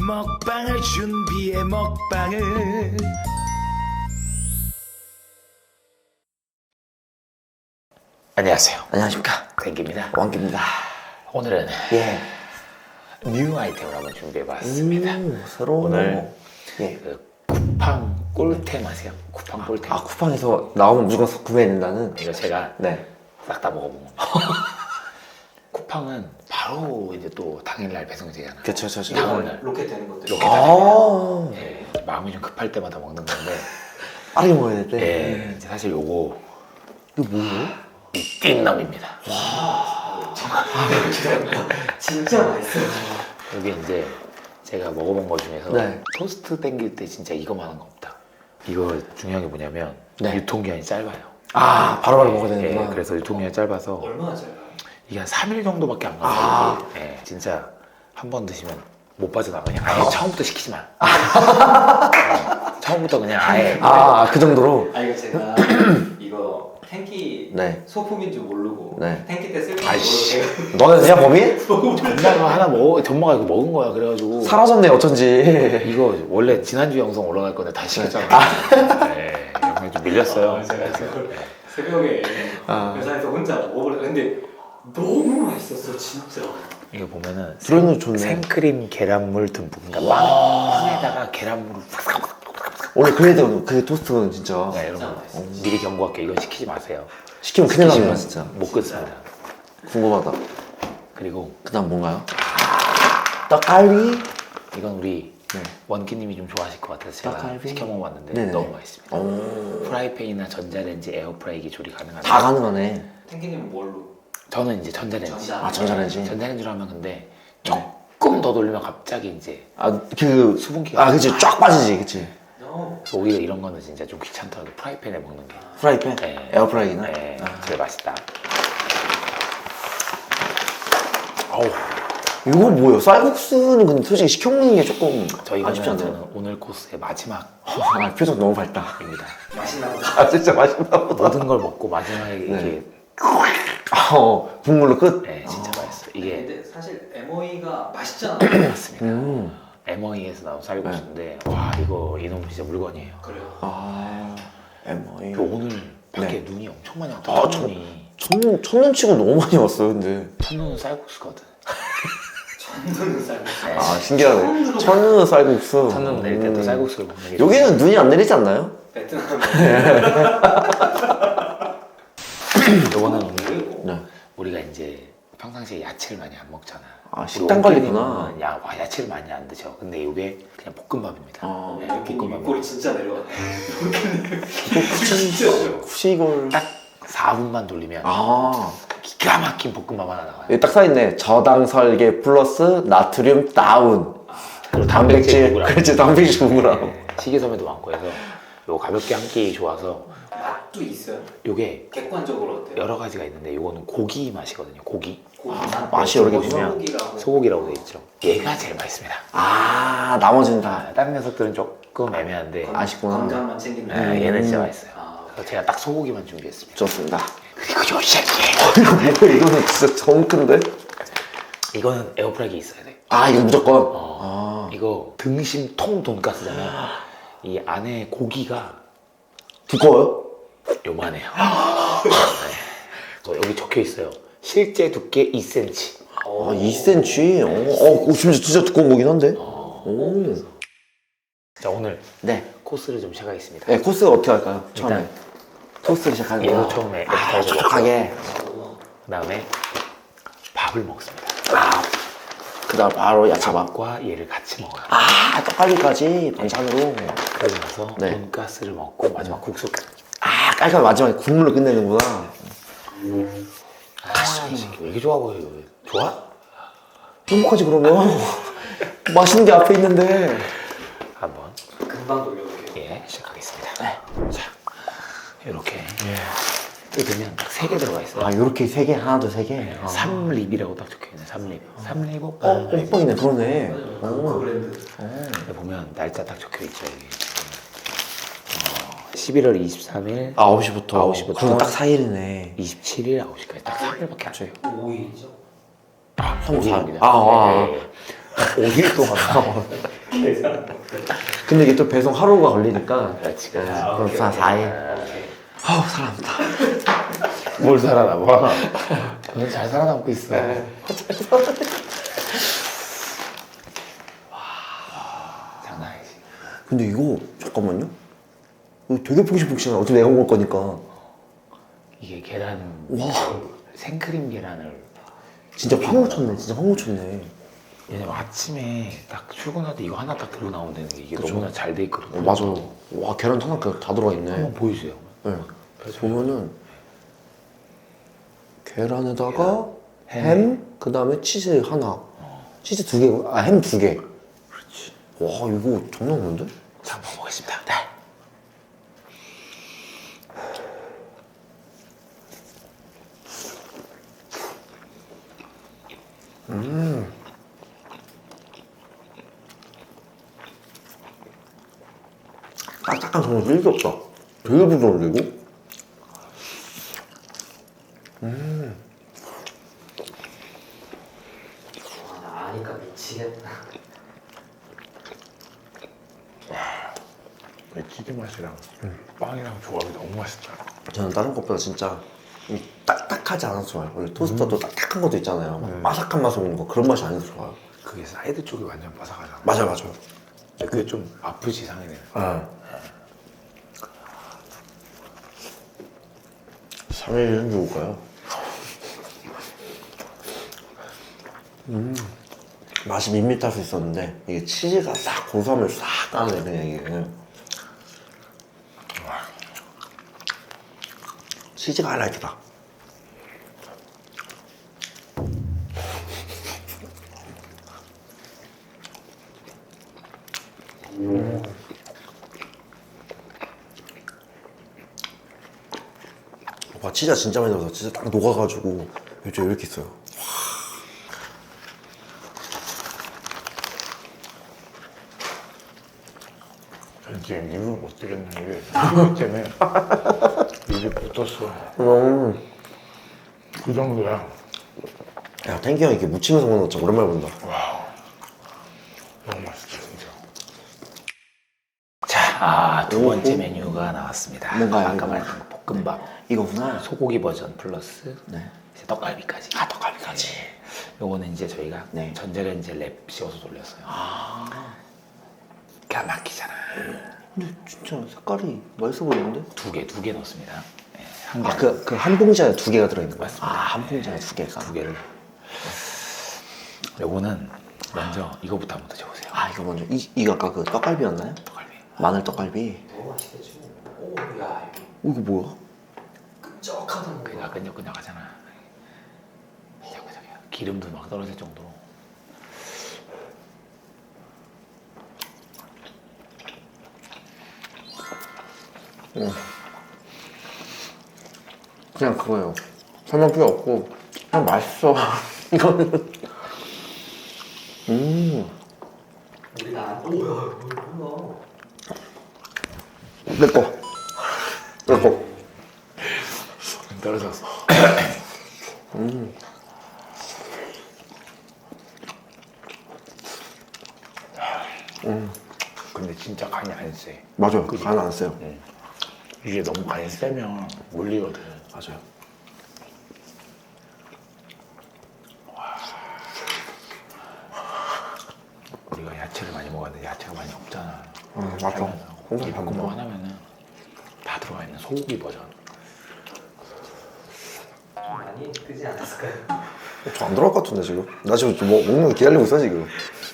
먹방을 준비해 먹방을. 안녕하세요. 안녕하십니까. 땡깁니다. 왕기입니다. 오늘은 예. 뉴 아이템을 한번 준비해봤습니다. 새로운 오늘 예. 그 쿠팡 꿀템 아세요? 쿠팡 꿀템. 아, 쿠팡에서 나오면 무조건 구매해야 된다는. 이거 제가 네. 싹 다 먹어본 겁니다. 쿠팡은 바로 이제 또 당일날 배송되잖아요. 그쵸, 당일날 로켓 되는 것들. 로켓 아, 예, 마음이 좀 급할 때마다 먹는 건데. 빠르게 먹어야 될 때. 예, 이제 사실 요거 이거 뭐예요? 띵남입니다. 진짜 맛있어요. 여기 이제 제가 먹어본 거 중에서 네. 토스트 땡길 때 진짜 이거만한 거 없다. 이거 중요한 게 뭐냐면 네. 유통기한이 짧아요. 아, 바로바로 먹어야 되는구나. 예, 그래서 유통기한이 짧아서 얼마나 짧아요? 이게 한 3일 정도밖에 안 가요. 아. 예, 진짜 한 번 드시면 못 빠져나가요. 아예 처음부터 시키지 마. 처음부터 그냥 아예 그 정도로? 아, 이거 제가 이거 탱키 네. 소품인 줄 모르고 네. 탱키 때 쓸 줄 아이씨. 모르고 너는 그냥 범인? 전마가 하나 먹어, 전마가 이거 먹은 거야. 그래가지고 사라졌네, 어쩐지. 이거 원래 지난주 영상 올라갈 건데 다시 시켰잖아. 네, 영상이 좀 밀렸어요. 제가 그래서 그걸 새벽에 회사에서 혼자 먹으려 근데 너무 맛있었어 진짜. 이거 보면은 들어있는 거 좋네. 생크림 계란물 듬뿍. 그러니까 빵에다가 계란물을 싹싹. 원래 그래도 그 토스트는 진짜. 네, 여러분 미리 경고할게요. 이건 시키지 마세요. 시키면 큰일 시키시면 납니다, 진짜. 못 끊습니다. 궁금하다. 그리고 그 다음 뭔가요? 떡갈비? 이건 우리 네. 원기님이 좀 좋아하실 것 같아서 제가 떡갈비? 시켜 먹어봤는데 네네. 너무 맛있습니다. 오. 프라이팬이나 전자레인지, 에어프라이기 조리 가능합니다. 다 가능하네. 탱키님은 뭘로? 저는 이제 전자레인지. 전자. 아, 전자레인지. 전자레인지로 하면 근데 조금 더 돌리면 갑자기 이제 수분기가. 그치. 쫙 빠지지, 그치. 그래서 오히려 이런 거는 진짜 좀 귀찮더라도 프라이팬에 먹는 게 프라이팬? 네. 에어프라이기나? 네, 제일 맛있다. 어우, 이거 뭐예요? 쌀국수는 근데 솔직히 시켜 먹는 게 조금 저희가 아쉽지 않나요? 저는 오늘 코스의 마지막입니다. 아, 표정 너무 밝다. 맛있나 보다. 아, 진짜 맛있나 보다. 모든 걸 먹고 마지막에 이게 국물로 끝? 네, 진짜 맛있어요. 이게 근데 사실 MOE가 맛있잖아. 맞습니다. MOE에서 나온 쌀국수인데 와 이거 이놈 진짜 물건이에요. 그래요. MOE. 또 오늘 밖에 네. 눈이 엄청 많이 아, 왔다. 첫눈이. 첫눈 치고 너무 많이 왔어요, 근데. 첫눈은 쌀국수거든. 천도는 쌀국수. 네. 아, 신기하네. 첫눈은 쌀국수. 첫눈 내릴 때 또 쌀국수를 먹는 게 여기는 눈이 안 내리지 않나요? 베트남에 요거는 오늘 네. 우리가 이제 평상시에 야채를 많이 안 먹잖아. 아, 우리 식단 관리구나. 원기님은 야채를 많이 안 드셔. 근데 이게 그냥 볶음밥입니다. 네, 탱키님 볶음밥. 입꼬리 진짜 내려갔네. 진짜 싫어. 쿠시골. 딱 4분만 돌리면 아. 기가 막힌 볶음밥 하나 나와요. 여기 딱 써있네. 저당 설계 플러스 나트륨 다운. 그리고 단백질. 구그램. 그렇지, 단백질 9g. 네, 식이섬유도 많고 해서 요거 가볍게 한 끼 좋아서 맛도 있어요. 요게 객관적으로 어때요? 여러 가지가 있는데 요거는 고기 맛이거든요. 고기. 맛이 여러 개 보면 소고기라고. 소고기라고 돼 있죠. 얘가 제일 맛있습니다. 나머지는 다 다른 녀석들은 조금 애매한데 아쉽구나. 건강만 챙긴다. 얘는 진짜 맛있어요. 아, 그래서 제가 딱 소고기만 준비했습니다. 좋습니다. 그리고 요 새끼 이거 뭐야? 이거는 진짜 정 큰데? 이거는 에어프라이기 있어야 돼. 이거 무조건. 이거 등심 통 돈가스잖아요. 이 안에 고기가 두꺼워요? 요만해요. 네. 여기 적혀 있어요. 실제 두께 2cm. 2cm? 진짜 두꺼운 거긴 한데? 오. 자 오늘 네. 코스를 좀 시작하겠습니다. 네, 코스가 어떻게 할까요? 처음에. 일단 토스트를 시작하는 얘도 거야. 처음에 에피타이저 먹고 촉촉하게. 그 다음에 밥을 먹습니다. 그 다음 바로 야채밥. 밥과 얘를 같이 먹어요. 떡갈비까지 반찬으로. 그러고 나서 네. 돈가스를 먹고 마지막 국수. 깔끔하게 마지막에 국물로 끝내는구나. 이 새끼 왜 이렇게 좋아 보여? 좋아? 행복하지, 그러면. 맛있는 게 앞에 있는데. 한번 금방 돌려볼게요. 시작하겠습니다. 자 이렇게 뜯으면 딱 3개 들어가 있어요. 요렇게 세 개, 하나, 둘, 세 개. 삼립이라고 딱 적혀있네. 삼립. 삼립은 뽕뽕이네, 그러네. 그 브랜드. 여기 보면 날짜 딱 적혀있죠. 여기. 11월 23일 9시부터. 9시부터. 그럼 딱 4일이네. 27일 9시까지 딱 3일밖에 안 돼요. 5일이죠. 5일입니다. 5일. 5일 동안 계산. 근데 이게 또 배송 하루가 걸리니까. 그렇지. 그럼 4일. 아우, 살아남다. 뭘 살아남아? 저는 잘 살아남고 있어. 장난 아니지. 근데 이거, 잠깐만요. 이거 되게 푹신푹신해. 어차피 내가 먹을 거니까. 이게 계란, 와. 생크림 계란을. 진짜 확 묻혔네. 진짜 확 묻혔네. 왜냐면 아침에 딱 출근할 때 이거 하나 딱 들고 나오면 되는 게 이게 그쵸. 너무나 잘 돼 있거든요. 맞아요. 와, 계란 하나 다 들어가 있네. 한번 보여주세요. 네. 보면은 계란에다가 햄, 그 다음에 치즈 하나, 치즈 2개, 햄 2개. 그렇지. 와, 이거 장난 없는데? 자, 한번 보겠습니다. 네. 딱딱한 정말 1도 없다. 되게 부드러운데, 아니까 미치겠다. 치즈 맛이랑 빵이랑 조합이 너무 맛있다. 이거? 저는 다른 것보다 진짜 이 딱딱하지 않아서 좋아요. 원래 토스터도 딱딱한 것도 있잖아요. 막 바삭한 맛 오는 거. 그런 맛이 아니어서 좋아요. 그게 사이드 쪽이 완전 바삭하잖아. 맞아요, 맞아요. 그게 좀 아프지 상이네. 아. 3일 해줄까요? 맛이 밋밋할 수 있었는데 이게 치즈가 싹 고소함을 싹 따네 그냥 이게. 치즈가 하이라이트다. 와, 치즈가 진짜 많이 들어서 진짜 딱 녹아가지고 요즘 이렇게 있어요. 전 지금 입을 못 들였는 게 치즈 때문에 입이 붙었어. 그 정도야. 야, 탱키 형 이렇게 무치면서 먹는 거 진짜 오랜만에 본다. 너무 맛있어 진짜. 자, 두 번째 메뉴가 나왔습니다. 뭔가요, 아까 이거? 말한 볶음밥. 이거구나. 소고기 버전 플러스 네. 이제 떡갈비까지. 아, 떡갈비까지. 요거는 이제 저희가 네. 전자레인지에 랩 씌워서 돌렸어요. 기가 막히잖아. 근데 진짜 색깔이 맛있어 보이는데? 두 개 넣습니다. 네, 한 개. 아, 그 한 봉지 안에 2개가 들어있는 거야? 맞습니다. 아, 한 봉지 안에 2개가. 두 개를. 요거는 먼저 이거부터 한번 드셔보세요. 아, 이거 먼저. 이거 아까 그 떡갈비였나요? 떡갈비. 마늘 떡갈비. 너무 맛있겠지. 오, 야, 이거 뭐야? 끈적하던 거. 그냥 끈적끈적하잖아. 끈적끈적해요. 기름도 막 떨어질 정도로. 그냥 그거예요. 설명 필요 없고 그냥 맛있어. 이거는. 우리 나. 오야, 뭐야? 내 거. 내 거. 떨어졌어. 근데 진짜 간이 안 세. 맞아요. 그지? 간 안 써요. 이게 너무 간이 세면 몰리거든. 맞아요. 우리가 야채를 많이 먹었는데 야채가 많이 없잖아. 맞아. 이 볶음밥 하나면은 다 들어가 있는 소고기 버전. 좀 많이 뜨지 않았을까요? 저 안 들어갈 것 같은데 지금. 나 지금 먹는 거 기다리고 있어 지금.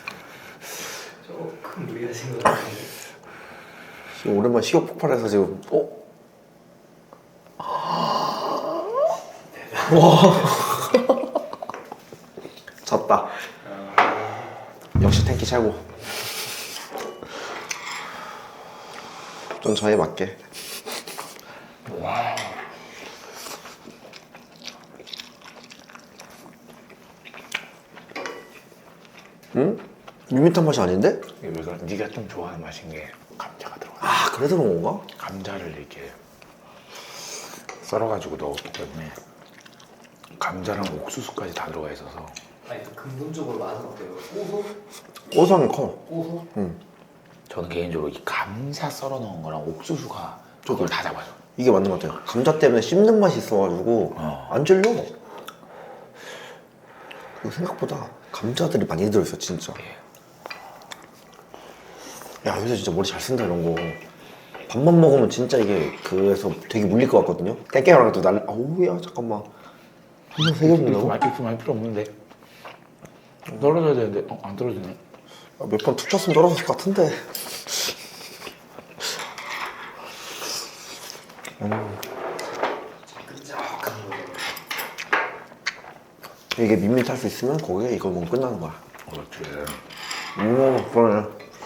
조금 무리하신 것 같은데. 지금 오랜만에 식욕 폭발해서 지금. 졌다. 역시 탱키 최고. 좀 저에 맞게. 와. 응? 밋밋한 맛이 아닌데? 이거 네가 좀 좋아하는 맛인 게 감자가 들어가. 아, 그래서 그런 건가? 감자를 이렇게 썰어가지고 넣었기 때문에 감자랑 옥수수까지 다 들어가 있어서 아니 또 근본적으로 맛은 어때요? 고소? 고소한 게 커. 고소? 저는 개인적으로 이 감자 썰어 넣은 거랑 옥수수가 그걸 다 잡아줘. 이게 맞는 것 같아요. 감자 때문에 씹는 맛이 있어가지고 안 질려. 그리고 생각보다 감자들이 많이 들어있어 진짜. 야 요새 진짜 머리 잘 쓴다 이런 거. 밥만 먹으면 진짜 이게 그래서 되게 물릴 것 같거든요. 땡땡이랑 또 날. 아우야 잠깐만. 한번 세개 먹는다고? 이렇게 많이 필요 없는데 떨어져야 되는데 안 떨어지네. 몇 번 툭 쳤으면 떨어졌을 것 같은데. 끈적한 거죠. 이게 밋밋할 수 있으면 거기에 이거 먹으면 끝나는 거야. 그렇지. 그러네.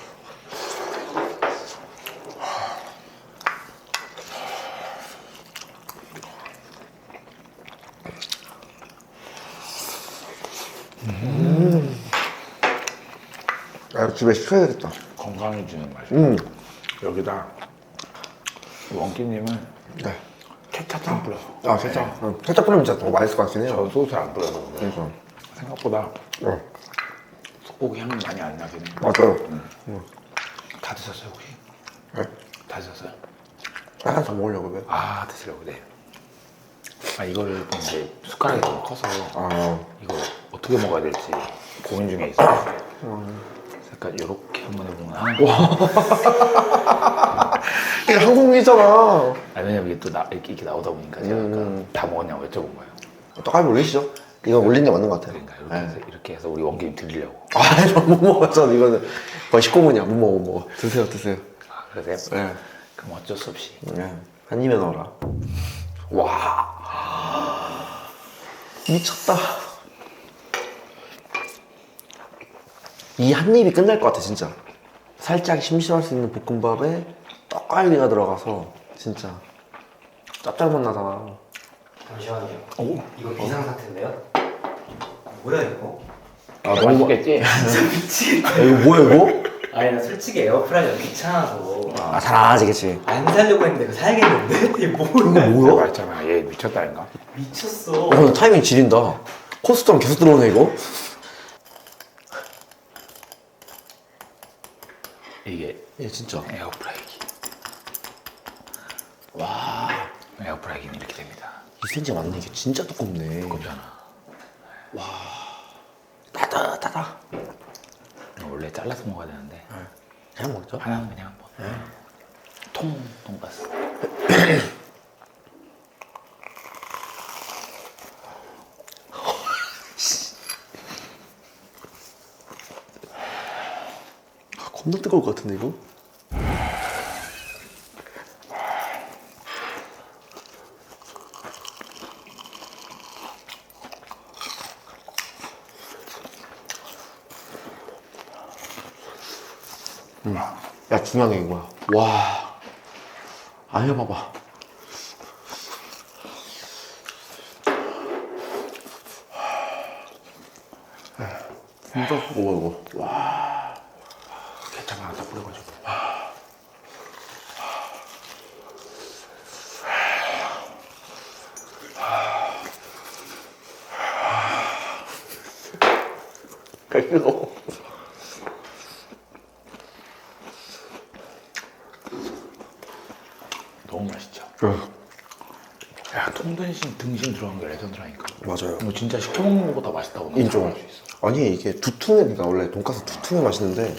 야, 이거 집에 시켜야겠다. 건강해지는 맛이. 여기다 원기님은 네. 케찹 좀 뿌려서. 아, 살짝. 살짝 뿌리면 진짜 더 맛있을 것 같긴 해요. 저 소스 안 뿌려서 그래. 그러니까. 생각보다 어, 소고기 향이 많이 안 나긴 해. 맞아요. 다 드셨어요 혹시? 네. 다 드셨어요? 하나 더 먹으려고 왜? 아 드시려고 네. 아 이거를 이제 숟가락이 너무 커서 아, 이거 어떻게 먹어야 될지 고민 중에 있어요. 약간 이렇게 한번 해보면 하는 거. 이게 한국이잖아. 아 왜냐면 이게 또 이렇게 나오다 보니까 제가 아까 다 먹었냐고 여쭤본 거예요. 떡갈비 올리시죠? 이건 올린 게 맞는 것 같아요. 그러니까 이렇게 해서 우리 원기님 드리려고. 아, 못 먹었잖아. 이거는 거의 식구문이야. 못 먹어, 못 먹어. 드세요, 드세요. 아 그러세요? 네. 그럼 어쩔 수 없이. 네. 한 입에 넣어라. 와. 미쳤다. 이 한 입이 끝날 것 같아, 진짜. 살짝 심심할 수 있는 볶음밥에 떡갈비가 들어가서 진짜 짭짤맛 나잖아. 잠시만요. 오. 이거 비상사태인데요? 뭐야 이거? 아, 맛있겠지? 진짜 미치겠다. 이거 뭐야, 이거? 아니 나 솔직히 에어프라이어 귀찮아서 아, 잘 안 하지, 그치? 안 살려고 했는데 이거 살겠는데? 이게 뭐야? 이거 뭐야? 말했잖아. 얘 미쳤다니까. 미쳤어. 나 타이밍 지린다. 코스처럼 계속 들어오네, 이거? 이게 얘 진짜. 에어프라이기. 와. 에어프라이기는 이렇게 됩니다. 2cm 맞네. 이게 진짜 두껍네. 두껍잖아. 따다따다. 원래 잘라서 먹어야 되는데 그냥 먹죠. 하나는 그냥 한번. 돈가스. 겁나 뜨거울 것 같은데, 이거? 야, 중요한 게 이거야. 와. 안 해봐봐. 진짜 뜨거워, 이거. 와. 케찹 하나 더 뿌려가지고. 뜨거워. 너무 맛있죠? 야, 등심 들어간 게 레전드라니까. 맞아요. 이거 진짜 시켜먹는 것보다 맛있다고 난 인정. 생각할 수 있어. 아니, 이게 두툼해. 그러니까 원래 돈가스 두툼해 맛있는데.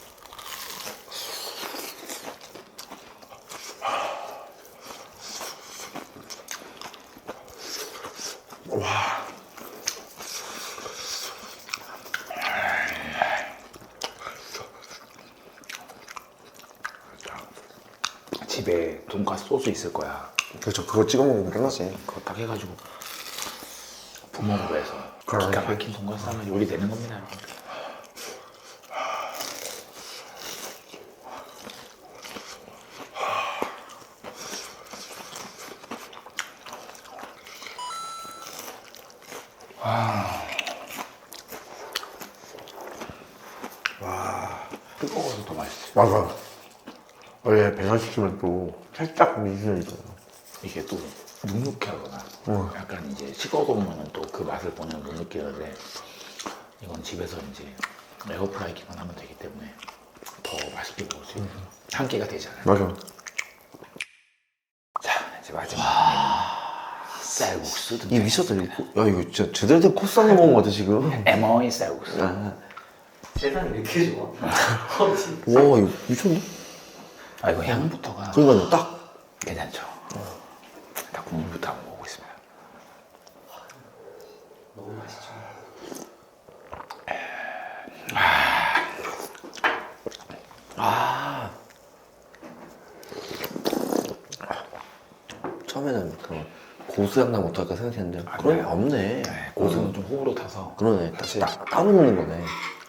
와. 집에 돈가스 소스 있을 거야. 그렇죠. 그거 찍어 먹으면 끝나지. 그거 딱 해가지고 부먹으로 해서 그럼 기가 이렇게. 막힌 돈가스 하면 요리 되는 겁니다, 여러분. 뜨거워서 더 맛있어. 맞아. 원래 배달시키면 또 살짝 미지근해 있잖아요. 이게 또 눅눅하거나 약간 이제 식어보면 또 그 맛을 보면 눅눅해는데 이건 집에서 이제 에어프라이기만 하면 되기 때문에 더 맛있게 먹을 수 있는 한 끼가 되잖아요. 맞아. 자, 이제 마지막 쌀국수 이 미쳤다 이거. 야 이거 진짜 제대로 된 코스 하나 먹은 거 같아 지금. 에머이 쌀국수. 아. 세상이 왜 이렇게 좋아? 진짜. 와 이거 미쳤네. 아, 이거 향부터가 그러니까 딱. 괜찮죠. 딱 국물부터 한번 먹어보겠습니다. 너무 맛있죠. 처음에는 그 고수향 나면 어떨까 생각했는데 그런 게 없네. 네, 고수는 좀 호불호 타서 그러네. 다시 따로 먹는 거네.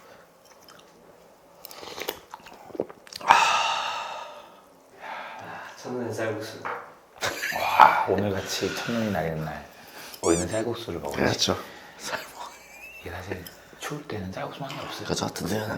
첫눈에 쌀국수. 와, 오늘같이 첫눈이 내리는 날 우리는 쌀국수를 먹어야지. 그렇죠. 이게 사실 추울 때는 쌀국수만 하나 없어요. 그저 든든하네.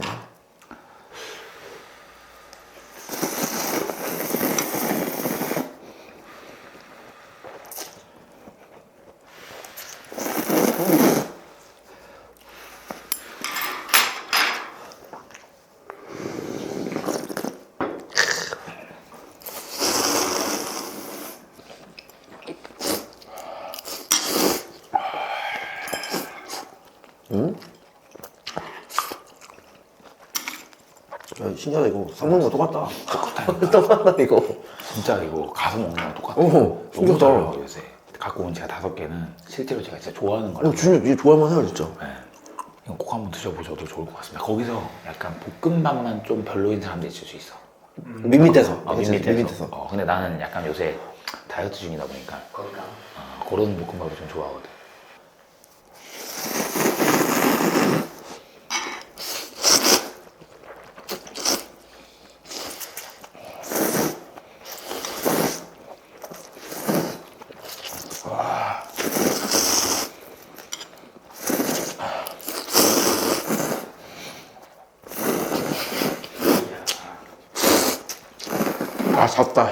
야, 신기하다 이거. 쌍먹는 거 똑같다. 똑같다 이거. 진짜 이거 가서 먹는 거랑 똑같아요. 어, 너무 신기하다. 달라요 요새. 갖고 온 제가 5개는 실제로 제가 진짜 좋아하는 거라서 진짜 이거 좋아할만 해요 진짜. 네. 이거 꼭 한번 드셔보셔도 좋을 것 같습니다. 거기서 약간 볶음밥만 좀 별로인 사람도 있을 수 있어. 밋밋해서. 밋밋해서. 근데 나는 약간 요새 다이어트 중이다 보니까 건강. 그런 볶음밥을 좀 좋아하거든. 아 졌다.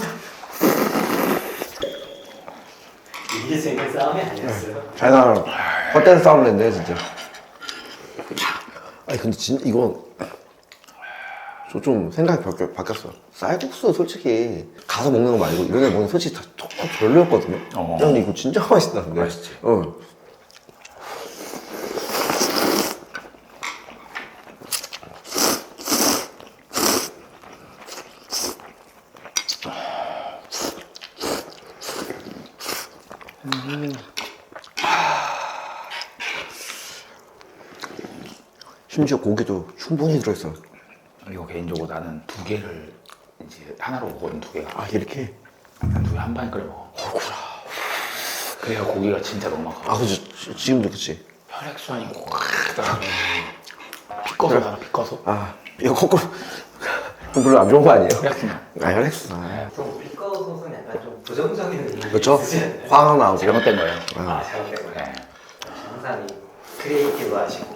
이게 재밌는 싸움이 아니었어요. 잘 나가. 헛된 싸움을 했네 진짜. 아니 근데 진짜 이거 저 좀 생각이 바뀌었어. 쌀국수 솔직히 가서 먹는 거 말고 이런 데 먹는 거 솔직히 다 별로였거든요. 근데 이거 진짜 맛있다는데. 맛있지. 심지어 고기도 충분히 들어있어. 이거 개인적으로 나는 2개를 이제 하나로 먹거든. 2개가. 아 이렇게? 난 2개 한 방에 끓여 먹어. 그래야 고기가 진짜 넉넉하고 아 그치. 지금도 그치. 혈액순환이 확 들어가지고 피꺼서 나는 피꺼서 아 이거 거꾸로 별로 안 좋은 거 아니에요? 혈액순환. 아 혈액순환. 좀 비꺼 소스는 약간 좀 부정적인 의미. 그렇죠? 화가 나고. 잘못된 거예요. 아, 잘못된 거예요. 네. 항상 이 크리에이티브 하시고.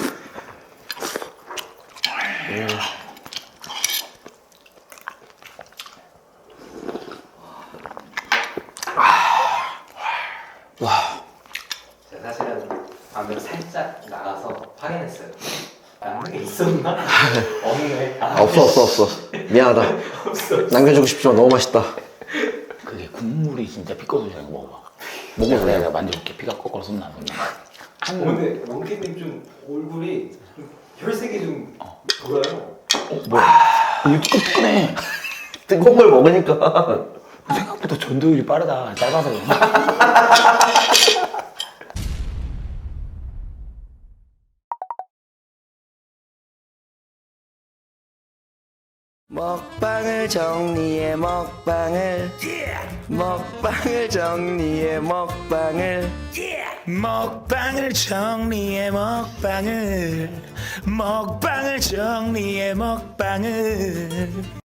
제가 사실은 방금 살짝 나가서 확인했어요. 남는 게 있었나? 없네. 아, 없어. 미안하다. 없어. 남겨주고 싶지만 너무 맛있다. 그게 국물이 진짜 피꺼서 잘 먹어봐. 먹어보세요. 내가 만져볼게. 피가 거꾸로 솟나는데. 오늘 원기님 좀 얼굴이 좀 혈색이 좀 돌아요. 뭐야? 이거 뜨끈해. 뜨거운 걸 먹으니까. 생각보다 전도율이 빠르다. 짧아서 그런가? 먹방을 정리해 먹방을 먹방을 정리해 먹방을 먹방을 정리해 먹방을 먹방을 정리해 먹방을